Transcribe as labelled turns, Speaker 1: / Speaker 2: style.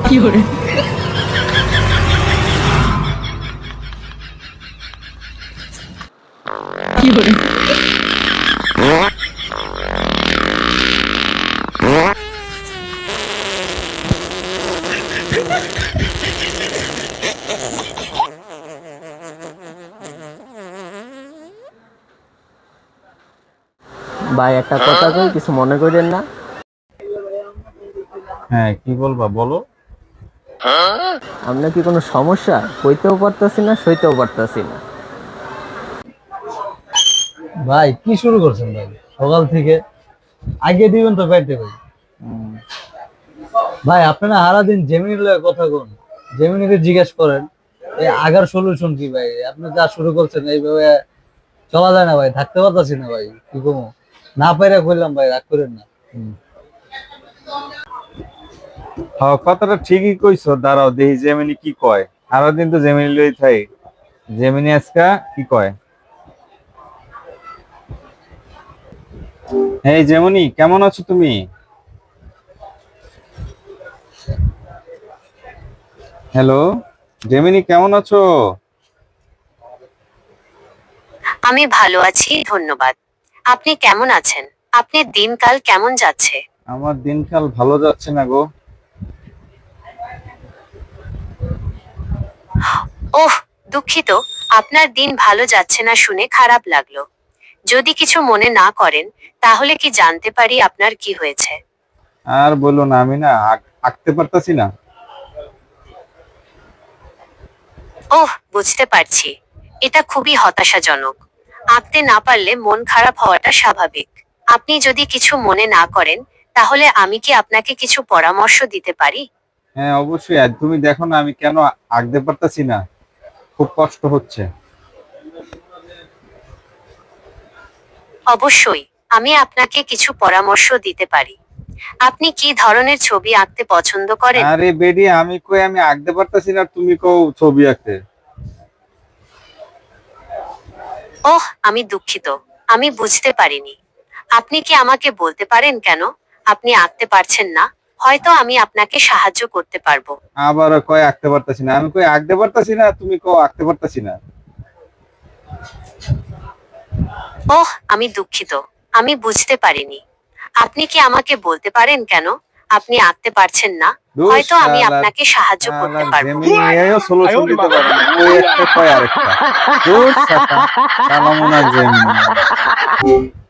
Speaker 1: 有人，有人，
Speaker 2: ভাই একটা কথা কই, কিছু মনে করেন না।
Speaker 3: হ্যাঁ, কি বলবা বলো।
Speaker 2: আপনার কি কোনো সমস্যা? কইতেও পারতাছি না, সইতেও পারতাছি না।
Speaker 4: ভাই কি শুরু করছেন ভাই সকাল থেকে? আগে দিবেন তো পাইতে ভাই। ভাই আপনারা সারাদিন জেমিনির লগে কথা কোন, জেমিনিকে জিজ্ঞেস করেন এই আগার সলিউশন কি ভাই। আপনি যা শুরু করছেন এইভাবে চলা যায় না ভাই, থাকতে পারতাছি না ভাই, কি কমো না পাইরা কইলাম ভাই, রাগ করেন না।
Speaker 3: হ্যাঁ, কথাটা ঠিকই কইছো। দাঁড়াও দেখি জেমিনি কি কয়। সারাদিন তো জেমিনি লই থাই। জেমিনি আজকা কি কয়? এই জেমিনি, কেমন আছো তুমি? হ্যালো, জেমিনি কেমন আছো?
Speaker 5: আমি ভালো আছি, ধন্যবাদ। আপনি কেমন আছেন? আপনার দিনকাল কেমন যাচ্ছে?
Speaker 3: আমার দিনকাল ভালো যাচ্ছে না গো।
Speaker 5: ওহ, দুঃখিত। আপনার দিন ভালো যাচ্ছে না শুনে খারাপ লাগলো। যদি কিছু মনে না করেন, তাহলে কি জানতে পারি আপনার কি হয়েছে?
Speaker 3: আর বলো না, আমি না আঁকতে পারতাছি না।
Speaker 5: ওহ, বুঝতে পারছি। এটা খুবই হতাশাজনক। আঁকতে না পারলে মন খারাপ হওয়াটা স্বাভাবিক। আপনি যদি কিছু মনে না করেন, তাহলে আমি কি আপনাকে কিছু পরামর্শ দিতে পারি?
Speaker 3: হ্যাঁ অবশ্যই। আর তুমি দেখো না আমি কেন আঁকতে পারতাছি না, খুব কষ্ট হচ্ছে।
Speaker 5: অবশ্যই, আমি আপনাকে কিছু পরামর্শ দিতে পারি। আপনি কি ধরনের ছবি আঁকতে পছন্দ করেন?
Speaker 3: আরে বেডি, আমি আঁকতে পারতাছি না, তুমি কও ছবি আঁকতে।
Speaker 5: ওহ, আমি দুঃখিত। আমি বুঝতে পারিনি। আপনি কি আমাকে বলতে পারেন কেন আপনি আঁকতে পারছেন না? হয়তো আমি আপনাকে সাহায্য করতে পারবো।
Speaker 3: আবার কয় আঁকতে পারতাছি না, আমি কই আঁকতে পারতাছি না, তুমি কও আঁকতে পারতাছি না।
Speaker 5: ওহ, আমি দুঃখিত। আমি বুঝতে পারিনি। আপনি কি আমাকে বলতে পারেন কেন আপনি আঁকতে পারছেন না?
Speaker 3: ধুস
Speaker 5: হয়তো আমি
Speaker 3: শালা,
Speaker 5: আপনাকে সাহায্য করতে
Speaker 3: শালা
Speaker 5: পারবো।
Speaker 3: জেমিনি এও সলিউশন দিতে পারে না, ওই একটা কয় আরেকটা। ধুস শালা, শালা মনে হয় জেমিনি।